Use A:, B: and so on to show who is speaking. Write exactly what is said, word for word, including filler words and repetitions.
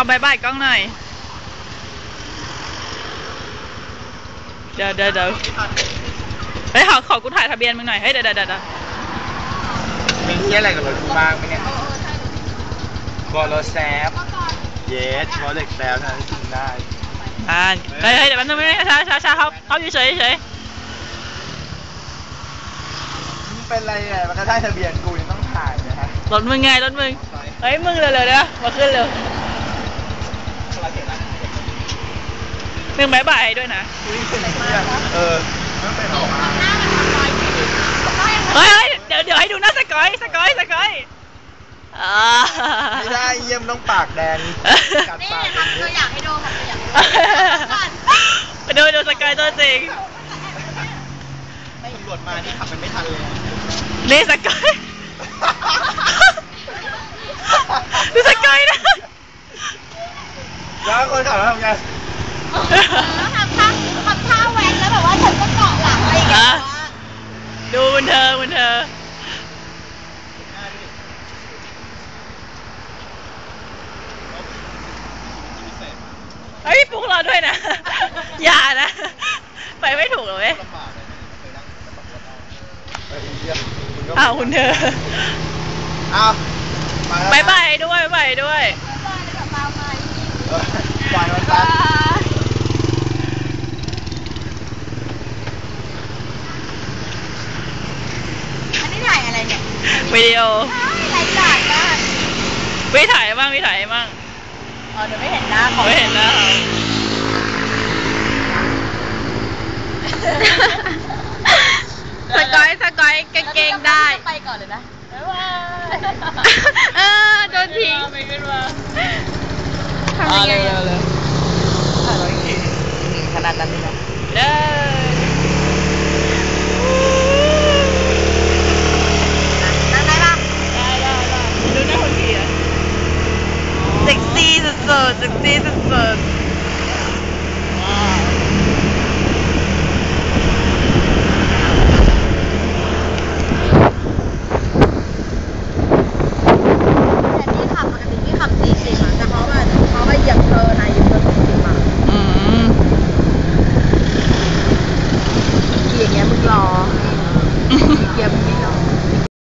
A: บายบายกล้องหน่อยเดี๋ยวเดี๋ยวเดี๋ยวเฮ้ยขอขอกูถ่ายทะเบียนมึงหน่อยเฮ้ยเดี๋ยวเดี๋ยวเดี๋ยว
B: มีเที่ยอะไรกับรถกูบ้างไหมเนี่ยบอลแซฟเยสบอลเด็กแซฟนะกินได้
A: อ่าเฮ้ยเฮ้ยเดี๋ยวมันไม่ช้าช้าช้าเขาเขาอยู่เฉยเฉย
B: มึงเป็นไรอ่ะมันก็ได้ทะเบียนกูยังต้องถ่ายนะฮะ
A: รถมึงไงรถมึงเฮ้ยมึงเร็วๆนะมาขึ้นเร็วมึงบายบายด้วยนะ
B: เออไม่เป็นหรอก
A: เฮ้ยเดี๋ยวเดี๋ยวให้ดูหน้าสกอยสกอยสกอย
B: ไม่ได้เยี่ยมต้องปากแดงกัดปาก
C: ทำตัวอย่างให้ดูทำตัวอย่าง
A: ไปดูดูสกอยตัวจริง
B: ตำรวจมานี่ขับมันไม่ทันเลย
A: นี่สกอยดูสกอยนะ
B: แล้วคนขับทำไง
C: ทำท่าทำท่าแว้นแล้วแบบว่าฉันก็เกาะหลังอะไรอย่างเงี้ย
A: ดูมันเธอมันเธอเฮ้ยปุ๊กเราด้วยนะอย่านะไปไม่ถูกหรอเว้ยอ้าวคุณเธอ
B: อ้าว
A: บายบายด้วยบายด้วย
B: ปล่อยมันไป
C: อันนี้ถ่ายอะไรเนี่ย
A: วิดีโอ
C: รายการบ้าง
A: วิถ่ายบ้างวิถ่ายบ้าง
C: อ๋อเดี๋ยวไม่เห็นหน้าเขา
A: ไม่เห็นหน้าสกอยสกอยกางเกงได้
C: ไปก่อนเลยนะ
A: เออโดนทิ้งไม่ขึ้นมาทำยังไงเลย
B: ถ่ายไว้กี่ขนาดนั้นเลยนะ
A: เด้อ
C: นั่งได้ปะ
A: ได้ได้ได้ดูหน้าคนขี่อ่ะเซ็กซี่สุดๆเซ็กซี่สุดๆ